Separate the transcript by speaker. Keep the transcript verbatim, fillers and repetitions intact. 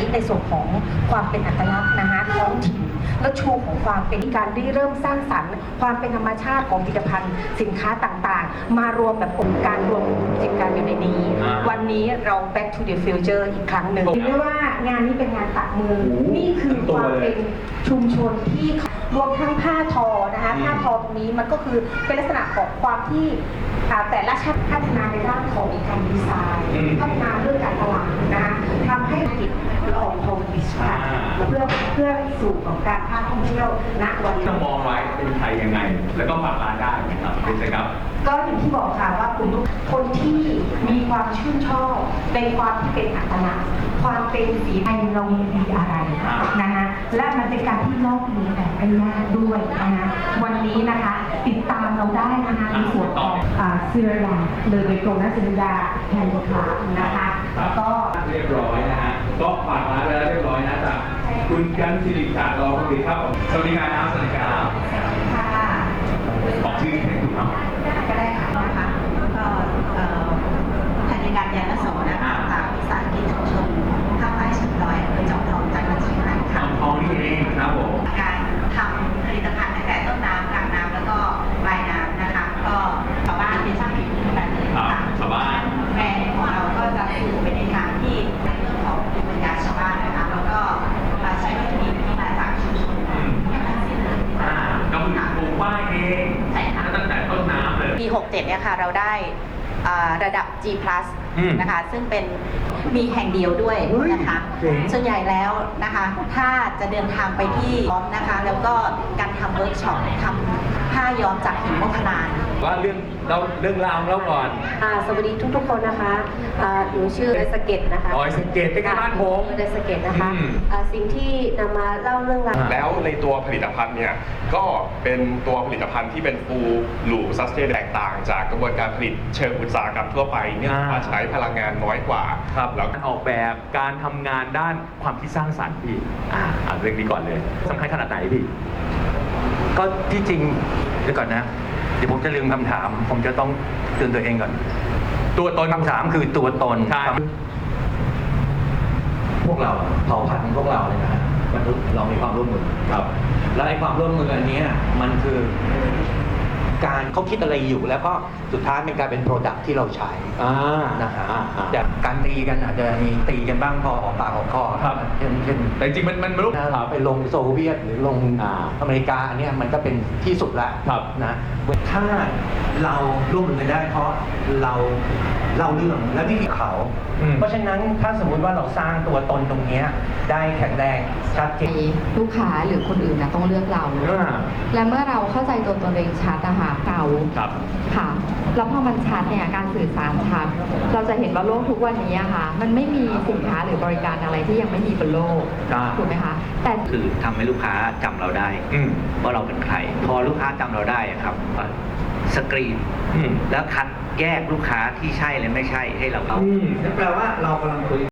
Speaker 1: ในส่วนของความเป็นอัตลักษณ์นะคะท้องถิ่นและชูของความเป็นการได้เริ่มสร้างสรรค์ความเป็นธรรมชาติของผลิตภัณฑ์สินค้าต่างๆมารวมแบบองค์การรวมกิจการอยู่ในนี้วันนี้เรา back to the future อีกครั้งหนึ่งเรียกว่างานนี้เป็นงานตัดมือนี่คือความเป็นชุมชนที่รวมทั้งผ้าทอนะคะผ้าทอตรงนี้มันก็คือเป็นลักษณะของความที่แต่ละชาติพัฒนาในด้านของการดีไซน์พัฒนาเรื่องการตลาดนะคะทำให้กิจออกของดิจิทัลเพื่อเพื่อสู่ของการท่องเที่ยวณวันนี้
Speaker 2: ต้องมองไว้เป็นใครยังไงแล้วก็ฝากร้านได้นะครับเป็นไงครับ
Speaker 1: ก็อย่างที่บอกค่ะว่ากลุ่มทุกคนที่มีความชื่นชอบในความที่เป็นอัตลักษณ์ความเป็นฝีไทยเรามีดีอะไรนะคะและมันเป็นการที่ลอกเลียนแบบไม่ยากด้วยนะคะวันนี้นะคะติดตามเราได้นะคะในส่วนของเสื้อยาเลยโดยตรงนะเสื้อยาแทนลูกค้านะคะแล้วก็
Speaker 2: เรียบร้อยนะฮะก็ฝากร้านไว้แล้วเรียบร้อยนะจ๊ะคุณกันศิริศาสตร์รอคุณดีครับสวัสดีครับสวัสดีครับบอกชื่อให้ถูกเนาะ
Speaker 3: ก็ได้ค่ะนะคะก็ธัญการยานโสนะคะจากวิสาหกิจชุมชนท่าไม้เชียงดอยอำเภอจอมทองจังหวัดเชียงรายค่ะ
Speaker 2: จอมทองนี่เองครับผม
Speaker 3: การทำผลิตภัณฑ์ตั้งแต่ต้นน้ำกลางน้ำแล้วก็ปลายน้ำนะคะก็ชาวบ้านเป็นช่างฝีมือทั้งนั้นเลยค่ะ
Speaker 2: ชาวบ้าน
Speaker 3: แบรนด์ของเราก็จะสื่อไปในทางที่ในเรื่องของภูมิปัญญาชาวบ้านนะคะแล้วก็ใช้วัตถุดิบที่มาจากชุมชนทั้งสิ้นเลย
Speaker 2: ก็คือปลูกป้ายเอง
Speaker 3: ใช่ค่ะ
Speaker 2: ตั้งแต่ต้นน้ำเลย
Speaker 3: ปีหกเจ็ดเนี่ยค่ะเราได้ระดับ G plus นะคะซึ่งเป็นมีแห่งเดียวด้วยนะคะส่วนใหญ่แล้วนะคะถ้าจะเดินทางไปที่ย้อมนะคะแล้วก็การทำเวิร์กช็อปทำผ้าย้อมจากหินโมกขลาน
Speaker 2: ว่าเรื่องเราเรื่องราวเล่าก่อน
Speaker 1: สวัสดีทุกๆคนนะคะหนูชื่อดอยสะเก็ดนะคะ
Speaker 2: ดอยสะเก็ดเป็นบ้านผม
Speaker 1: ดอยสะเก็ดนะคะสิ่งที่นำมาเล่าเรื่องราว
Speaker 4: แล้วในตัวผลิตภัณฑ์เนี่ยก็เป็นตัวผลิตภัณฑ์ที่เป็นฟูลลูปซัสเทนแตกต่างจากกระบวนการผลิตเชิงอุตสาหกรรมทั่วไปเนี่ยใช้พลังงานน้อยกว่า
Speaker 2: ครับแล้วการออกแบบการทำงานด้านความคิดสร้างสรรค์พี่อ่าอ่านเรื่องนี้ก่อนเลยสำคัญขนาดไหนพี่
Speaker 5: ก็ที่จริงเดี๋ยวก่อนนะเดี๋ยวผมจะลืมคำถามผมจะต้องเตือนตัวเองก่อน
Speaker 2: ตัวตน
Speaker 5: คำถามคือตัวตน
Speaker 2: ใช่
Speaker 5: พวกเราเผ่าพันธุ์พวกเราเลยนะมนุษย์เรามีความร่วมมือ
Speaker 2: ครับ
Speaker 5: และไอ้ความร่วมมืออันนี้มันคือการเขาคิดอะไรอยู่แล้วก็สุดท้ายเป็นการเป็นโปรดักที่เราใช้นะฮะแต่การตีกันอาจจะมีตีกันบ้างพอออกปากออกคอเช่นเช่น
Speaker 2: แต่จริงมันมันไม่รู้
Speaker 5: ไปลงโซเวียตหรือลงอเมริกาอันนี้มันก็เป็นที่สุดละนะถ้าเราร่วมมือกันได้เพราะเราเล่าเรื่องและวิธีเขาเพราะฉะนั้นถ้าสมมุติว่าเราสร้างตัวตนตรงนี้ได้แข็งแรงชัดเจน
Speaker 6: ลูกค้าหรือคนอื่นนะต้องเลือกเราและเมื่อเราเข้าใจตัวตนเองชัดนะคะเราค่ะแล้วพอมันชัดเนี่ยการสื่อสารชัดเราจะเห็นว่าโลกทุกวันนี้ค่ะมันไม่มีสินค้าหรือบริการอะไรที่ยังไม่มีบนโลกถูกไหมคะ
Speaker 5: แต่คือทำให้ลูกค้าจำเราได้ว่าเราเป็นใครพอลูกค้าจำเราได้ครับสกรีนแล้วคัดแยกลูกค้าที่ใช่และไม่ใช่ให้เราเอาแปลว่าเรากำลังคุย